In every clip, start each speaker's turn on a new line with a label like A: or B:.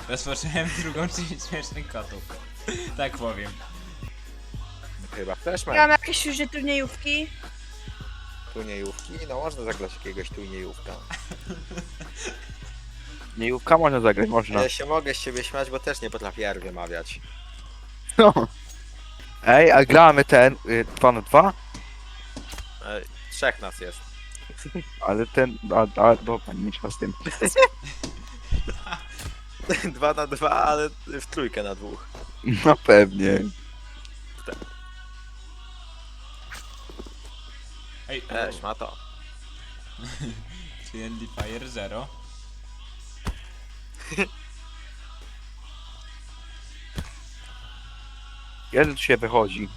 A: Rozpocząłem drugą część śmiesznych kotów. Tak powiem.
B: Chyba też
C: Ja
B: mam
C: mam jakieś już turniejówki.
B: turniejówki. No można zagrać jakiegoś turniejówka.
D: Niejówka można zagrać, można.
B: Ja się mogę z siebie śmiać, bo też nie potrafię R wymawiać.
D: No. Ej, a gramy ten 2 na 2?
B: Trzech nas jest.
D: Ale ten, dobra, nie trzeba z tym.
B: 2 na 2, ale w trójkę na dwóch.
D: No pewnie.
A: Ej,
B: Ma to.
A: Friendly Fire 0.
D: Kiedy tu się wychodzi?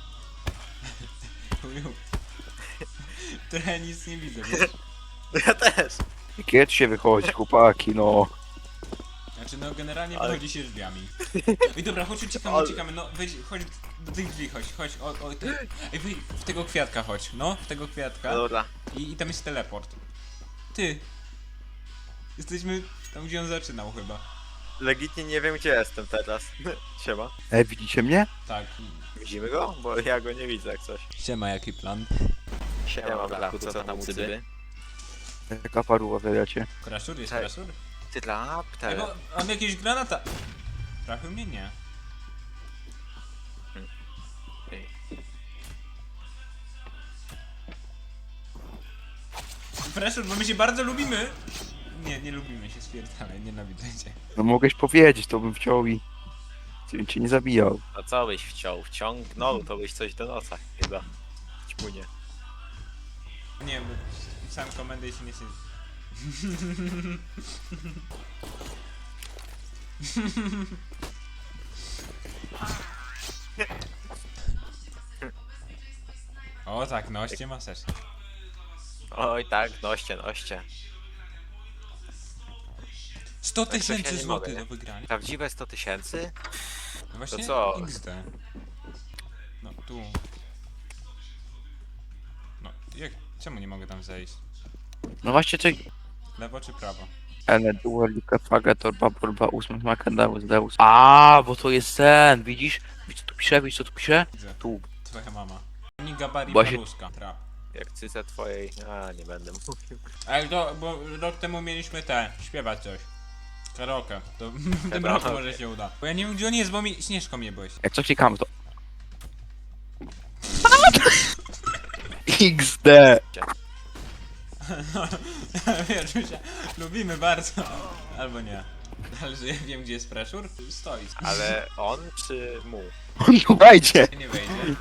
A: Chuju. Trochę nic nie widzę, wiesz?
B: Ja też.
D: Kiedy tu się wychodzi, chłopaki, no.
A: Znaczy no generalnie
B: Ale-
A: wychodzi się drzwiami. Ej dobra, chodź uciekamy,
B: Ale-
A: uciekamy, no wejdź, chodź do tych drzwi, chodź, ej wyjdź, w tego kwiatka chodź, no, w tego kwiatka
B: Dobra.
A: i tam jest teleport. Ty! Jesteśmy tam, gdzie on zaczynał chyba.
B: Legitnie nie wiem, gdzie jestem teraz. Siema.
D: Ej, widzicie mnie?
A: Tak.
B: Widzimy go? Bo ja go nie widzę jak coś.
A: Siema, jaki plan?
B: Siema, Blaku, co tam u cyby?
D: Jaka paruwa wydacie?
A: Kraszur, jest
B: Cześć.
A: kraszur?
B: Ty dla
A: Ej, bo mam jakieś granata. Trafił mnie? Nie.
B: Ej.
A: Kraszur, bo my się bardzo lubimy. Nie lubimy się, stwierdzamy, nienawidzę cię.
D: No mogłeś powiedzieć, to bym wciął i cię nie zabijał.
B: A co byś wciął? Wciągnął, to byś coś do nosa chyba. Ćpunie.
A: Nie, bo pisałem komendę i się nie chce. O tak, noście maseczki.
B: Oj tak, noście.
A: 100
B: coś ja
A: tysięcy
B: nie
A: złotych
B: mogę,
A: do wygrania.
B: Prawdziwe 100 tysięcy?
A: No właśnie
B: co?
A: XD. No tu. No, czemu nie mogę tam zejść?
D: No właśnie, coś...
A: Lewo czy prawo?
D: Ene, dualika, faga, torba, borba, ósmy, makadałus, deus. A, bo to jest ten, widzisz? Widzisz co tu pisze, widzisz co tu pisze?
A: Widzę.
D: Tu.
A: Twoja mama. Ni gabari
D: Właśnie-
A: paruska. Trap.
B: Jak cyce twojej... A, nie będę mówił.
A: Ale to, bo rok temu mieliśmy śpiewać coś. Karaoke. To w tym
B: Karaoke.
A: roku może się uda. Bo ja nie wiem gdzie on jest, bo mi Śnieżką mnie byłeś.
D: Jak co klikamy to... XD.
A: Wiesz, my się lubimy bardzo. Albo nie. Ale że ja wiem gdzie jest pressure? Stoi.
B: Ale on czy mu?
D: On tu wejdzie.
A: Nie wejdzie.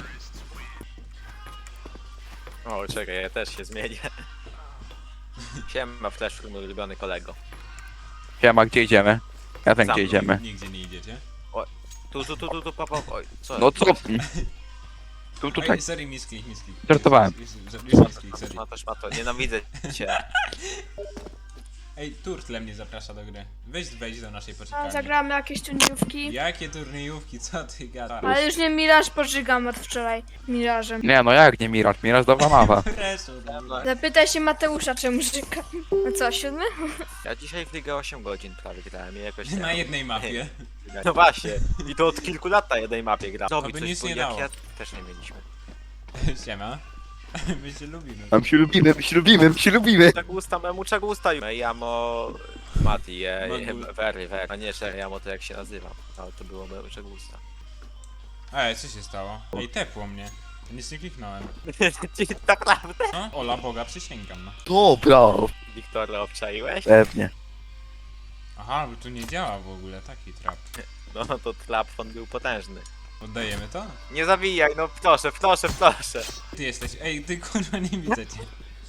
B: O, czekaj, ja też się zmienię. Siema, Flash, mój ulubiony kolego.
D: Siema, gdzie idziemy? Ja wiem
B: Za
D: gdzie
B: mną.
D: idziemy.
A: Nigdzie nie idziecie.
B: Tu, papa, oj, co?
D: No co? Tu, tutaj.
A: Oj, sorry, misklik.
D: Żartowałem.
A: Misklik, sorry.
B: Szmato, nienawidzę cię.
A: Ej, Turtle mnie zaprasza do gry. Wejdź do naszej
C: A
A: poczekalni.
C: zagramy jakieś turniejówki.
A: Jakie turniejówki, co ty gadasz?
C: Ale już nie Miraż pożygam od wczoraj. Mirażem.
D: Nie no jak nie Miraż? Miraż dobra mapa.
A: Pressure.
C: Zapytaj się Mateusza, czemu żyga. No co, 7?
B: Ja dzisiaj w Ligę 8 godzin prawie grałem i jakoś...
A: Na jednej mapie.
B: No właśnie, i to od kilku lat na jednej mapie gram. Zrobić
A: by
B: coś,
A: nic
B: bo
A: nie
B: jak
A: dało.
B: ja też nie mieliśmy.
A: Siema. My się lubimy.
D: Tam się lubimy, my się lubimy, my się lubimy.
B: Czego usta memu, czego usta? Jamo... Mati,
A: Magul.
B: Very. A nie, Jamo to jak się nazywam. Ale to było memu, czego usta.
A: Ej, co się stało? Ej, tepło mnie. Nic nie kliknąłem.
B: Tak naprawdę?
A: No, Ola Boga, przysięgam, no.
D: Dobra.
B: Wiktora obczaiłeś?
D: Pewnie.
A: Aha, bo tu nie działa w ogóle taki trap.
B: No to Tlapfon był potężny.
A: Oddajemy to?
B: Nie zawijaj, no proszę.
A: Ty jesteś, ej, ty kurwa nie widzę cię.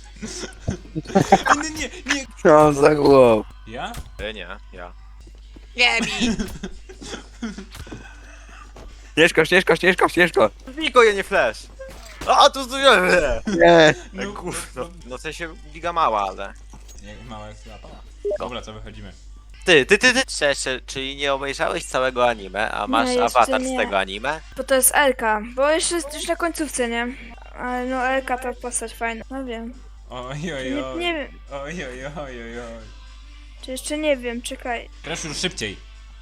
A: Nie.
D: Co za głowę.
A: Ja?
B: Nie, ja.
D: Śnieżko.
B: Wiko, ja nie flash! A, tu zdujemy!
D: Nie.
A: No,
B: Gówno. No w sensie liga mała, ale...
A: Jak mała jak klapa. Dobra, co wychodzimy?
B: Ty! Szczerze, czyli nie obejrzałeś całego anime, a masz
C: Nie, jeszcze
B: awatar z
C: nie.
B: tego anime?
C: Bo to jest Elka. Bo jeszcze jest już na końcówce, nie? Ale no Elka to postać fajna. No wiem. Nie wiem.
A: Oj.
C: Czy jeszcze nie wiem, czekaj.
A: Teraz już szybciej.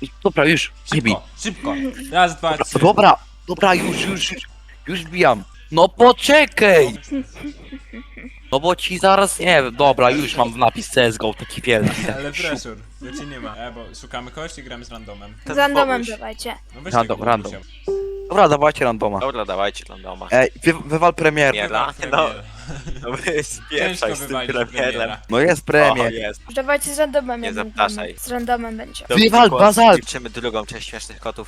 D: Dobra, już, nie bij.
A: Szybko, szybko. Raz, dwa, trzy.
D: Dobra, już bijam. No poczekaj! No bo ci zaraz, nie wiem, dobra, już mam napis CSGO, taki wielki.
A: Ale pressure, ja cię nie ma. Bo szukamy kogoś i gramy z randomem.
B: Ten
C: Z randomem
B: Boguś.
C: dawajcie.
A: No weź
D: Random,
A: tego
D: random.
A: Bogusia.
D: Dobra, dawajcie randoma.
B: Dobra, dawajcie randoma.
D: Ej, wywal premier.
B: Nie.
A: Wywal
B: No,
A: premiera.
B: No wy
A: Ciężko
B: spieprzaj z tym
A: wywalić
B: premierem.
A: premiera.
D: No jest
B: O,
D: premier.
B: jest.
C: Dawajcie z randomem.
B: Nie
C: jak
B: zapraszaj.
C: będziemy. Z randomem będzie.
D: Wywal bazalt.
B: Liczymy drugą część Śmiesznych Kotów.